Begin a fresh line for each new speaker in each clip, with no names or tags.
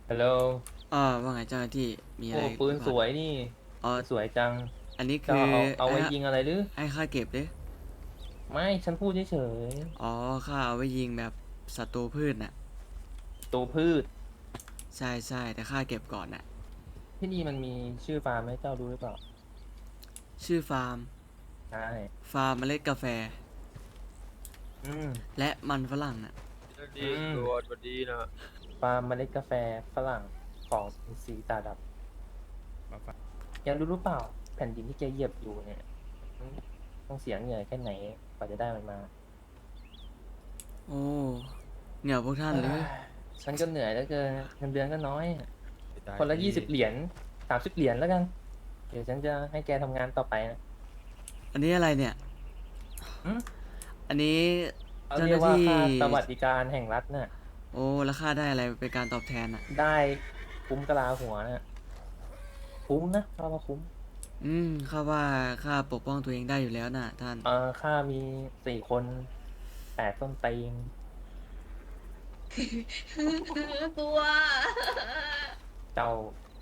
ฮัลโหล
ว่าไงเจ้าหน้าที่มีอะไร
โอ้ปืน
หรือเปล่า
สวยนี่
อ๋อ
สวยจัง
อันนี้
จะ
คือ
เอา
ให้
ไว้ยิงอะไรหรือ
ให้ข้าเก็บดิ
ไม่ฉันพูดเฉย
อ๋อข้าเอาไว้ยิงแบบศัตรูพืชน่ะ
ๆตัวพืช
ใช่ใช่แต่ข้าเก็บก่อนน่ะ
ที่นี่มันมีชื่อฟาร์มให้เจ้ารู้หรือเปล่า
ชื่อฟาร์ม
ใช่
ฟาร์มเมล็ดกาแฟ
อืม
และมันฝรั่งน่ะ
อื
ดี
ม
ตำรวจสวัสดีนะ
ฟาร์มเมล็ดกาแฟฝรั่งของสีตาดำแกรู้หรือเปล่าแผ่นดินที่แกเหยียบอยู่เนี่ยอืมต้องเสียเหงื่อแค่ไหนกว่าจะได้มันมา
โอ้เหนี่ยวพวกท่าน
เอ้
หรือ
ยฉันก็เหนื่อยแล้วเกินเงินเดือนก็น้อย
ไม่ได้
คนละ
ที่
20 เหรียญ30 เหรียญแล้วกันเดี๋ยวฉันจะให้แกทำงานต่อไปนะ
อันนี้อะไรเนี่ยอันนี้
เขา
เจ้าห
เรียกว่า
น้าที่
ค่าสวัสดิการแห่งรัฐน่ะ
โอ้แล้วข้าได้อะไรเป็นการตอบแทนน่ะ
ได้คุ้มกะลาหัวน่ะคุ้มนะเราว่าคุ้ม
ข้าว่าข้าปกป้องตัวเองได้อยู่แล้วน่ะท่าน
ค่ามี4 คน8 ต้นตีน
กลัว
เจ้า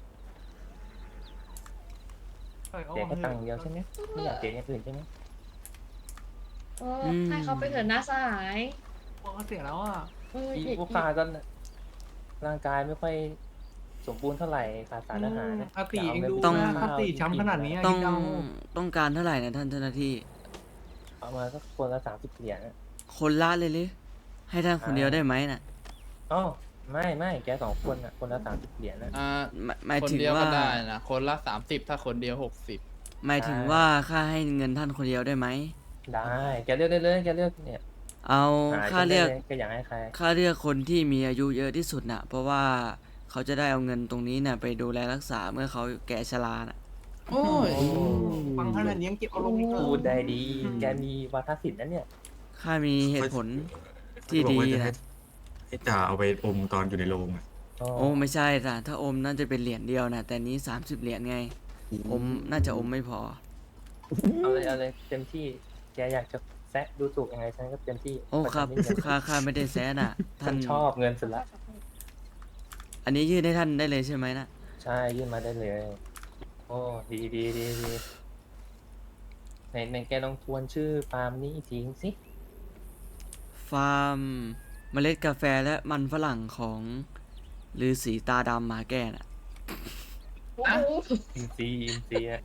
เอ้ยเอา
เสียแค่
เถอะ
ตังค์เดียวใช่ไหมไม่อยากเสียอย่างอื่นใช่ไหม
โอ้
อืม
ให้เขาไปเถอะหน้าสหาย
พอเสียแล้วอ่ะ
อี
เอออี
พวกข้าก็ร่างกายไม่ค่อยสมบูรณ์เท่าไหร่ขาดสารอาหารนะ
คาติ
จะเอาเงิน
เองดู
ไป
ต้อง
ซื้อ
นะคา
ข้าว
ติช้ำขนาดนี้อะ
ต้อง
คิดเอา
ต้องการเท่าไหร่นะท่านเจ้าหน้าที่
เอามาสักคนละ30 เหรียญนะ
คนละเลยหรือให้ท่านคนเดียวได้ไหมน่ะ
อ๋อไม่แก2 คนอ่ะคนละ30 เหรียญนะ
อ่า
หมาย
คน
ถึงว่า
เดียวก็ได้นะคนละ30ถ้าคนเดียว60
หมายถึงว่าค่าให้เงินท่านคนเดียวได้ไหม
ได้แกเลือกได้เลยแกเลือกเนี่ย
เอา
หาจ
ค่าเลือก
นได้เลยแกอยากให้ใคร
ค่าเลือกคนที่มีอายุเยอะที่สุดน่ะเพราะว่าเขาจะได้เอาเงินตรงนี้น่ะไปดูแลรักษาเมื่อเขาแก่ชราน่ะ
โอ้ย
โอ้
ฟังขนาดนี้ยังเก็บอารมณ์อีกเหรอ
พูดได้ดี แกมีวาทศิลป์นะเนี่ย
ค่ามีเหตุผลที่
เขาบอก
ดี
ว่าจะให้
นะ
ให้จ่าเอาไปอมตอนอยู่ในโรงอะ
โอ้ไม่ใช่จ้ะถ้าอมน่าจะเป็นเหรียญเดียวนะแต่นี้30 เหรียญไงอมน่าจะอมไม่พอ
เอาเลยเต็มที่ แกอยากจะแซะดูถูกยังไงฉันก็เต็มที่
โอ้ครับ
เพาะฉันไม่เงิน
ค่าไม่ได้แซะน่ะ
ฉั
ท่าน
นชอบเงินสุดละ
อันนี้ยื่นให้ท่านได้เลยใช่ไหมน่ะ
ใช่ยื่นมาได้เลย โอ้ดีไหนแกลองทวนชื่อฟาร์มนี้อีกทีสิ
ฟาร์มเมล็ดกาแฟและมันฝรั่งของฤาษีตาดำหมาแก่น่ะ
โอ้โห
อินซีอะ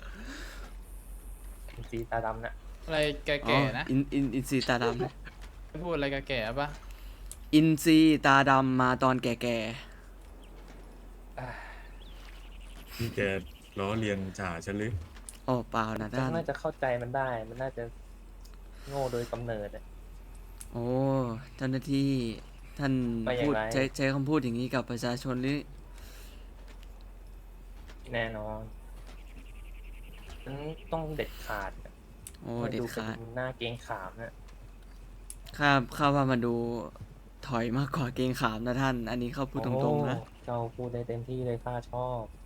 อินซีตาดำนะ
อะไรแ
อ๋อ
ก่ๆนะ
อินซีตาดำนะ
พูดอะไรแก่ๆปะ
อินซีตาดำมาตอนแก่
นี่แกล้อเลียนจ่าฉันหรือ
ๆโอ้เปล่านะ
ฉัน
ท่าน
น่าจะเข้าใจมันได้ มันน่าจะโง่โดยกำเนิดอะ
โอ้เจ้าหน้าที่ท่าน
ว่าอย่าง
พูด
ไร
ใช้คำพูดอย่างนี้กับประชาชนหรือ
แน่นอนฉันต้องเด็ดขาด
โอ้
มัน
เด็ด
ดูเป็
ขาด
นหน้าเกรงขามนะ
ข้าว่ามันดูถอยมากกว่าเกรงขามนะท่าน อันนี้เขาพูดตรงๆนะ
โอ้เจ้าพูดได้เต็มที่เลยข้าชอบ